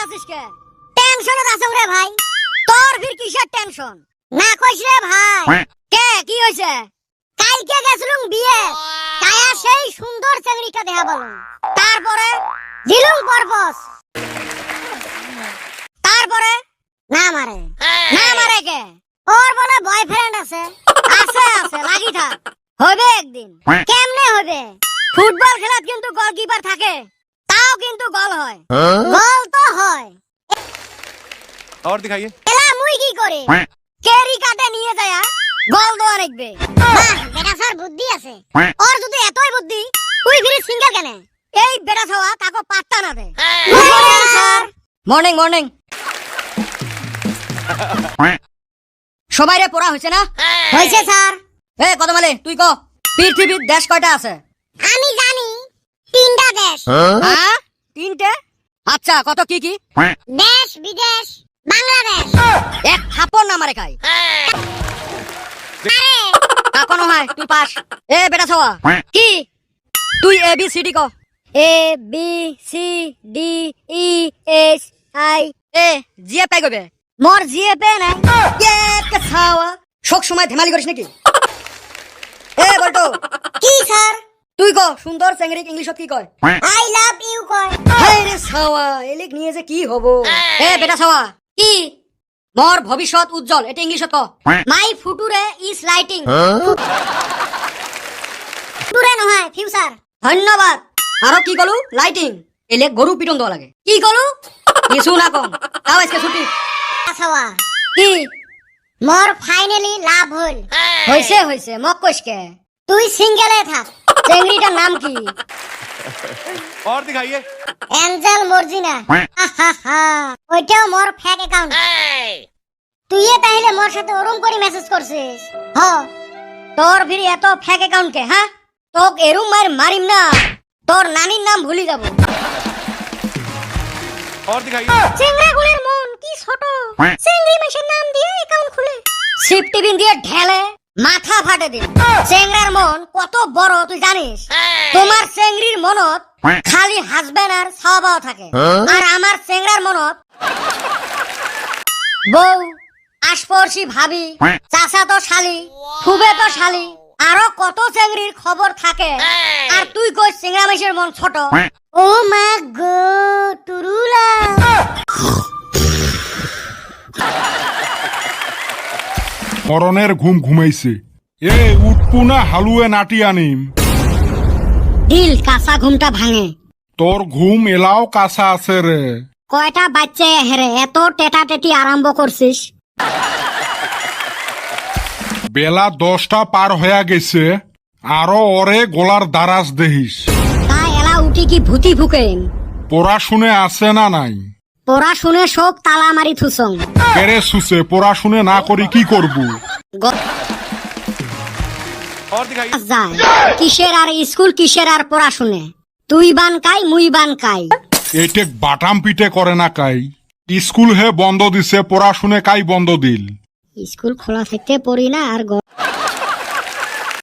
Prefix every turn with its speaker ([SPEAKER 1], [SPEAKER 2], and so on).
[SPEAKER 1] আছিস কে? টেনশনে আছো রে ভাই। তোর ফির কিসের টেনশন? না কইস রে ভাই। কে কি হইছে? কালকে গেছিলুম বিয়ে। কায়া সেই সুন্দর চেংড়িটা দেখা বলো। তারপরে দিলুম পারপস। তারপরে না মারে কে? ওর বলে বয়ফ্রেন্ড আছে। আছে লাগি থাক। হবে একদিন। কেমনে হবে? ফুটবল খেলাত কিন্তু গোলকিপার থাকে। তাও কিন্তু গোল হয়। গোল তো হয়।
[SPEAKER 2] और दिखाइए।
[SPEAKER 1] এলা মুই কি করে? কেরি কাটে নিয়ে যায়া গোল দেওয়া রাখবে। বেটা স্যার বুদ্ধি আছে। ওর যদি এতই বুদ্ধি, তুই ফিরে সিঙ্গেল কেন? এই বেটা ছাওয়া কাকো পাত্তা না দে। Sir morning. সবাই রে পড়া হইছে না? হইছে স্যার। এ কত মালে তুই ক পৃথিবীর দেশ কয়টা আছে? আমি জানি 3টা দেশ। হ্যাঁ 3টে? আচ্ছা কত কি কি? দেশ বিদেশ বাংলাদেশ। এক থাপড় না মারে খাই। আরে কাকনো হয় তুই পাস। এ বেটা ছাওয়া কি? তুই এ বি সি ডি ক। A B C D E S I A জিএ পাই গবে। মোর জিএ পে নাই। কে ছাওয়া সব সময় ধেমালি করিস নাকি? এ বলতো কি স্যার? তুই ক সুন্দর চেংড়ি ইংলিশত কি কয়? আই লাভ ইউ কয়। হায় রে ছাওয়া এলিক নিয়ে যে কি হবো? এ বেটা ছাওয়া কি? মোর ভবিষ্যৎ উজ্জ্বল এটা ইংলিশত ক। মাই ফুটুরে ইজ লাইটিং। ফুটুরে নহয় ফিউচার। ধন্যবাদ। আরো কি কলু? লাইটিং। এলে গরু পিটন দেওয়া লাগে। কি কলু? কিছু না কম। তাও আজকে ছুটি। ছাওয়া কি? মোর ফাইনালি লাভ হল। হইছে মক কইসকে। তুই সিঙ্গেলে থাক। চেংড়িটার নাম কি?
[SPEAKER 2] और दिखाइए।
[SPEAKER 1] এঞ্জেল মর্জিনা। ওইটাও মোর ফেক অ্যাকাউন্ট। তুই তাহলে মোর সাথে ওরম করে মেসেজ করছিস? হ তোর ফির এত ফেক অ্যাকাউন্ট কে? হ্যাঁ তোক এরম মারিম না তোর নানির নাম ভুলি যাব।
[SPEAKER 2] और दिखाइए।
[SPEAKER 1] চেংড়াগুলোর মন কি ছোট। চেংড়ি মাসের নাম দিয়ে অ্যাকাউন্ট খুলে সিফটি বিন দিয়ে ঢেলে মাথা ফাটে দিন। চেংড়ার মন কত বড় তুই জানিস? তোমার চেংড়ির মনত খালি হাজবেন্ড আর ছাওয়াও থাকে। আর আমার চেংড়ার মনত বউ আশপড়শি ভাবি চাচা তো শালি খুবে তো শালি আরো কত চেংড়ির খবর থাকে। আর তুই কই চেংড়া মাসের মন ছোট? ও মা গো তুরুলা।
[SPEAKER 3] মরণের ঘুম ঘুমাইছে। এ উঠপু না হালুয়ে নাটি আনিম।
[SPEAKER 1] দিল কাঁচা ঘুমটা ভাঙে।
[SPEAKER 3] তোর ঘুম এলাও কাঁচা আছে রে।
[SPEAKER 1] কয়টা বাচ্চা হেরে এত টেটা টেটি আরম্ভ করছিস?
[SPEAKER 3] বেলা 10টা পার হয়ে গেছে। আরো ওরে গোলার দারাজ দেহিস।
[SPEAKER 1] তা এলা উঠি কি ভূতি ফুকেন?
[SPEAKER 3] পড়াশুনে আছে না নাই?
[SPEAKER 1] পড়াশুনে সব তালা মারি থুসং।
[SPEAKER 3] কেরে সুসে পড়াশুনে না করি কি করবু?
[SPEAKER 2] और दिखाइए।
[SPEAKER 1] যায় কিসের আর স্কুল কিসের আর পড়াশুনে? তুই বান কাই মুই বান কাই।
[SPEAKER 3] এইটে বাটাম পিটে করে না কাই। স্কুল হে বন্ধ দিছে পড়াশুনে কাই বন্ধ দিল।
[SPEAKER 1] স্কুল খোলা থাকতে পড়ি না আর